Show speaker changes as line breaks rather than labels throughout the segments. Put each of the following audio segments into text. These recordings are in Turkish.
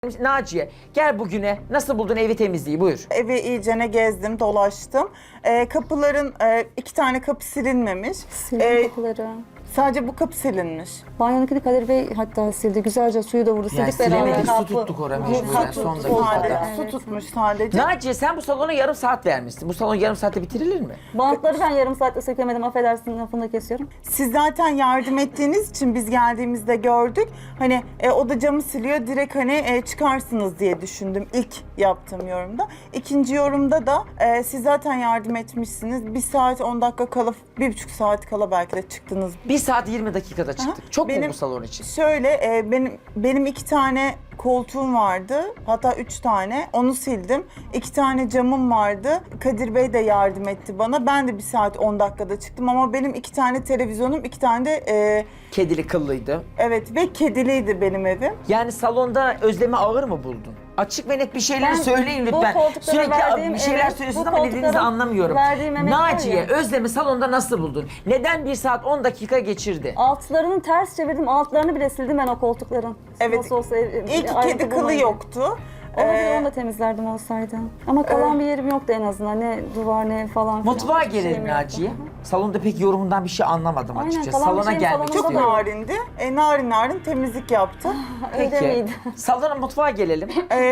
Naciye gel bugüne nasıl buldun evi temizliği buyur.
Evi iyicene gezdim, dolaştım. Kapıların 2 tane kapı silinmemiş.
Sildim kapıları.
Sadece bu kapı silinmiş.
Banyodakini Kadir Bey hatta sildi. Güzelce suyu da vurdu.
Yani
Sildik beraber.
silemedik su
Kapı.
tuttuk oraya
Bu
mecburen
kapı
son
sadece,
dakikada.
su tutmuş sadece.
Naciye sen bu salona yarım saat vermişsin. Bu salon yarım saatte bitirilir mi?
Bantları ben yarım saatte sökemedim. Affedersin lafını da kesiyorum.
Siz zaten yardım ettiğiniz için biz geldiğimizde gördük. Hani o da camı siliyor, direkt hani çıkarsınız diye düşündüm ilk yaptığım yorumda. İkinci yorumda da siz zaten yardım etmişsiniz. 1 saat 10 dakika kala, 1,5 saat kala belki de çıktınız.
1 saat 20 dakikada çıktık.
Aha.
Çok mu
Benim-
bu salon için?
Şöyle benim 2 tane koltuğum vardı. Hatta 3 tane. Onu sildim. 2 tane camım vardı. Kadir Bey de yardım etti bana. Ben de 1 saat 10 dakikada çıktım ama benim 2 tane televizyonum, 2 tane de
Kedili kıllıydı.
evet ve kediliydi benim evim.
Yani salonda Özlem'i ağır mı buldun? Açık ve net bir şeyler
Ben
söyleyin
bu
lütfen.
koltuklara
Sürekli
verdiğim
bir şeyler
emek,
söylüyorsunuz
bu
ama dediğinizi
koltuklara
anlamıyorum.
verdiğim emek var
Naciye,
ya.
Özlem'i salonda nasıl buldun? Neden 1 saat 10 dakika geçirdi?
Altlarını ters çevirdim. Altlarını bile sildim ben o koltukların.
Evet.
Nasıl olsa
İlk
ayrıntı
kedi kılı
bulmayın.
yoktu.
Olabilir, onu da temizlerdim olsaydı. Ama kalan bir yerim yoktu en azından. Ne duvar ne falan filan.
Mutfağa
Hiçbir şeyim
gelelim
yoktu.
Naciye. Salonda pek yorumundan bir şey anlamadım
Aynen,
açıkçası.
kalan bir
Salona
şeyim
gelmek
salonda
Çok
istiyorum.
narindi. Narin narin temizlik yaptı.
Öyle
Peki.
miydi?
Salona mutfağa gelelim.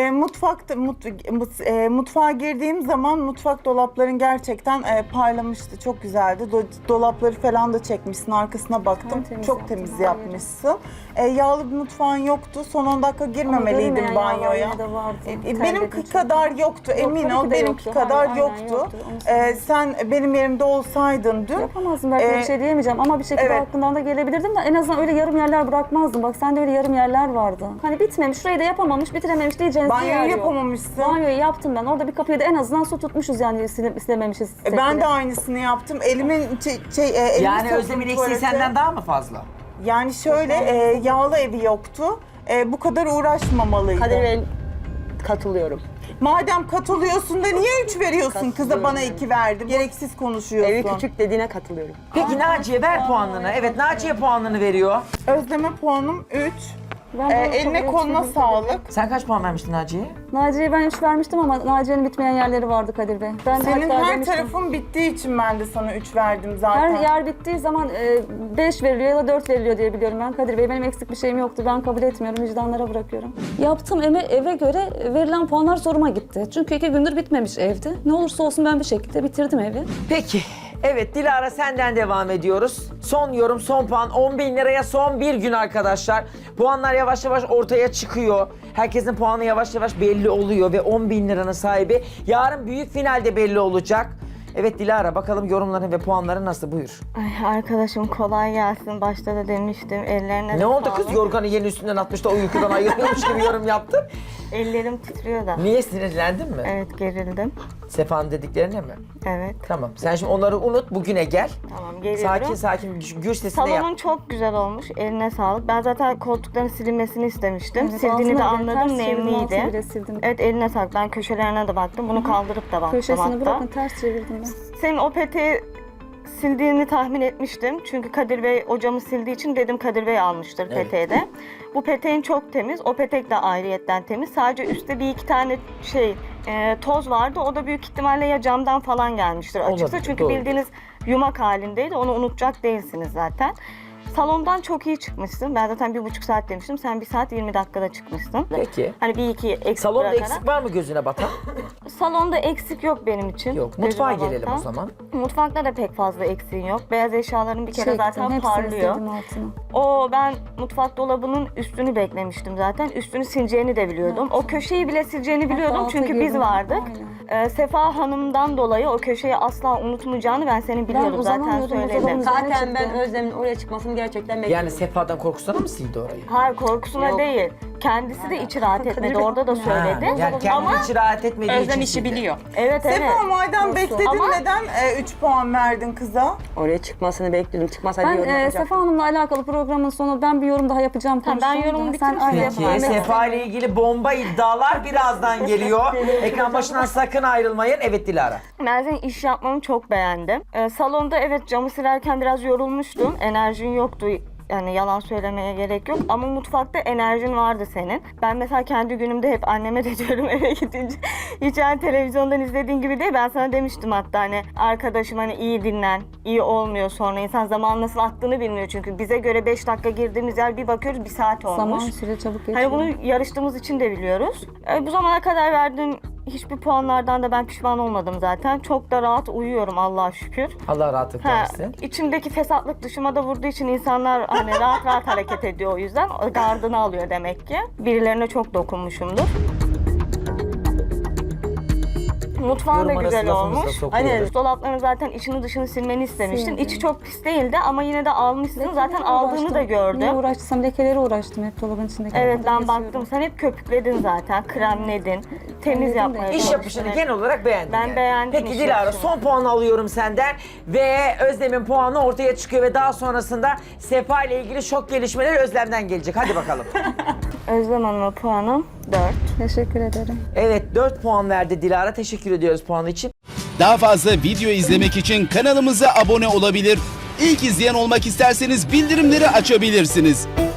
Mutfağa girdiğim zaman mutfak dolapların gerçekten parlamıştı. Çok güzeldi. Dolapları falan da çekmişsin. Arkasına baktım.
Tertemiz
Çok
yaptın,
temiz
her
yapmışsın. Yağlı bir mutfağın yoktu. Son 10 dakika girmemeliydim
görünmeyen
banyoya.
yağlar yine de vardı.
Benimki
Terledik.
kadar yoktu.
Yok,
Emin
tabii
ol
ki de
benimki
yoktu.
kadar
Aynen,
yoktu.
yoktu. Onu söyleyeyim.
Sen benim yerimde olsaydın dün.
Yapamazdım, belki bir şey diyemeyeceğim ama bir şekilde
evet.
aklından da gelebilirdim de en azından öyle yarım yerler bırakmazdım. Bak sende öyle yarım yerler vardı. Hani bitmemiş, şurayı da yapamamış, bitirememiş diyeceğiniz bir yer
Banyoyu
yok.
yapamamışsın.
Banyoyu yaptım ben. Orada bir kapıyı da en azından su tutmuşuz yani silememişiz.
Ben de aynısını yaptım. Elimin elimi
Yani
soktum
Özlem'in eksiği
tuvalete.
senden daha mı fazla?
Yani şöyle yağlı evi yoktu. Bu kadar uğraşmamalıydı.
Kadir Bey, katılıyorum.
Madem katılıyorsun da niye 3 veriyorsun? Kıza bana
Katılıyorum.
2 verdi. Gereksiz konuşuyorsun.
Evi küçük dediğine katılıyorum.
Peki Naciye ver puanını. Evet Naciye puanını veriyor.
Özleme puanım 3.
Ben de
Eline
çok
koluna
ölçmedim.
sağlık.
Sen kaç puan vermiştin Naciye'ye?
Naciye'ye ben 3 vermiştim ama Naciye'nin bitmeyen yerleri vardı Kadir Bey. Ben
Senin
hatta
her
demiştim,
tarafın bittiği için ben de sana 3 verdim zaten.
her yer bittiği zaman 5 veriliyor ya da 4 veriliyor diye biliyorum ben. Kadir Bey benim eksik bir şeyim yoktu. Ben kabul etmiyorum. Vicdanlara bırakıyorum. Yaptığım eve göre verilen puanlar zoruma gitti. Çünkü 2 gündür bitmemiş evdi. Ne olursa olsun ben bir şekilde bitirdim evi.
Peki. Evet Dilara senden devam ediyoruz. Son yorum, son puan 10.000 liraya son bir gün arkadaşlar. Puanlar yavaş yavaş ortaya çıkıyor. Herkesin puanı yavaş yavaş belli oluyor ve 10.000 liranın sahibi yarın büyük finalde belli olacak. Evet Dilara bakalım yorumların ve puanların nasıl buyur.
Ay arkadaşım kolay gelsin. Başta da demiştim. Ellerine
Ne oldu kız yorganı yeni üstünden atmış da uykudan ayılıyormuş gibi yorum yaptın.
Ellerim titriyor da.
Niye sinirlendin mi?
Evet gerildim.
Sefa'nın dediklerine mi?
Evet.
Tamam sen şimdi onları unut bugüne gel.
Tamam geliyorum.
Sakin sakin gür sesinde yap.
Salonun çok güzel olmuş. Eline sağlık. Ben zaten koltukların silinmesini istemiştim.
Evet,
Sildiğini de
altına bile
anladım.
ters çevirdim, altına
Nemliydi.
bile sildim.
Evet eline sağlık. Ben köşelerine de baktım. Bunu kaldırıp da baktım
Köşesini
hatta.
bırakın ters çevirdim ben.
Senin o peteği sildiğini tahmin etmiştim. Çünkü Kadir Bey o camı sildiği için dedim Kadir Bey almıştır
Evet.
peteği de. Bu peteğin çok temiz. O petek de ayrıyetten temiz. Sadece üstte bir iki tane toz vardı. O da büyük ihtimalle ya camdan falan gelmiştir açıkçası.
Olabilir,
Çünkü
doğru.
bildiğiniz yumak halindeydi. Onu unutacak değilsiniz zaten. Salondan çok iyi çıkmışsın. Ben zaten 1,5 saat demiştim. Sen 1 saat 20 dakikada çıkmışsın.
Peki.
Hani bir iki eksik
Salonda
bırakarak.
eksik var mı gözüne batan?
Salonda eksik yok benim için.
Yok. Mutfağa
Gözüme
gelelim o
batan.
zaman.
Mutfakta da pek fazla eksiğin yok. Beyaz eşyaların bir kere
Çektim,
zaten
hepsini
parlıyor.
sildim altına.
Ben mutfak dolabının üstünü beklemiştim zaten. Üstünü sileceğini de biliyordum. O köşeyi bile sileceğini biliyordum
alta
çünkü biz
girdim.
vardık. Sefa Hanım'dan dolayı o köşeyi asla unutmayacağını ben senin biliyordum zaten
uzanamıyordum,
söyledim.
uzanamıyordum.
Zaten ben
çıktı.
Özlem'in oraya çıkmasını gerçekten
Yani
bekliyorum.
Sefa'dan korkusuna mı sildi orayı?
Hayır korkusuna
Yok.
değil. Kendisi de içi rahat etmedi.
Bey-
Orada da söyledi.
Ha, yani kendi
Ama
hiç rahat etmediği
Özlem
için
işi
sildi.
biliyor.
evet evet.
Sefa madem bekledin
Ama-
neden 3 puan verdin kıza?
Oraya çıkmasını bekliyordum. Çıkmasaydı
Ben
yorum yapacaktım.
Sefa Hanım'la alakalı programın sonu ben bir yorum daha yapacağım.
Tamam, ben
konuşacağım
yorumu
da. Sen
bitireyim,
aynı
siz
Peki
yapın.
Sefa ile ilgili bomba iddialar birazdan geliyor. Ekran başından sakın ayrılmayın. Evet Dilara.
Ben senin iş yapmanı çok beğendim. Salonda evet camı silerken biraz yorulmuştum. Enerjin yoktu. Yani yalan söylemeye gerek yok. Ama mutfakta enerjin vardı senin. Ben mesela kendi günümde hep anneme de diyorum eve gidince. Hiç yani televizyondan izlediğin gibi değil. Ben sana demiştim hatta hani arkadaşım hani iyi dinlen. İyi olmuyor sonra. İnsan zaman nasıl attığını bilmiyor çünkü. Bize göre 5 dakika girdiğimiz yer bir bakıyoruz 1 saat olmuş.
Zaman süre çabuk geçiyor.
Hani bunu yarıştığımız için de biliyoruz. Bu zamana kadar verdiğim hiçbir puanlardan da ben pişman olmadım zaten. Çok da rahat uyuyorum Allah'a şükür.
Allah rahatlık
Ha,
versin.
içimdeki fesatlık dışıma da vurduğu için insanlar hani rahat rahat hareket ediyor o yüzden. Gardını alıyor demek ki. Birilerine çok dokunmuşumdur. Mutfağın da
Yorum arası
güzel
lafımızı da
olmuş.
sokuyoruz.
Hani dolapların zaten içini dışını silmeni istemiştin.
Sildim.
İçi çok pis değildi ama yine de almışsın. Zaten aldığını da
Niye
gördüm.
uğraştıysam lekeleri uğraştım hep dolabın içindeki.
Evet ben
Kesiyorum.
baktım. Sen hep köpükledin zaten. Kremledin. Temiz
Halledin de.
yapmaya
İş
İş
çalıştın.
yapışını genel olarak beğendim.
Ben beğendim
Peki
iş
Dilara
yapışını.
son puanı alıyorum senden ve Özlem'in puanı ortaya çıkıyor ve daha sonrasında Sefa ile ilgili şok gelişmeler Özlem'den gelecek. Hadi bakalım.
Özlem Hanım'a puanım 4.
Teşekkür ederim.
Evet 4 puan verdi Dilara. Teşekkür ediyoruz puanı için.
Daha fazla video izlemek için kanalımıza abone olabilir. İlk izleyen olmak isterseniz bildirimleri açabilirsiniz.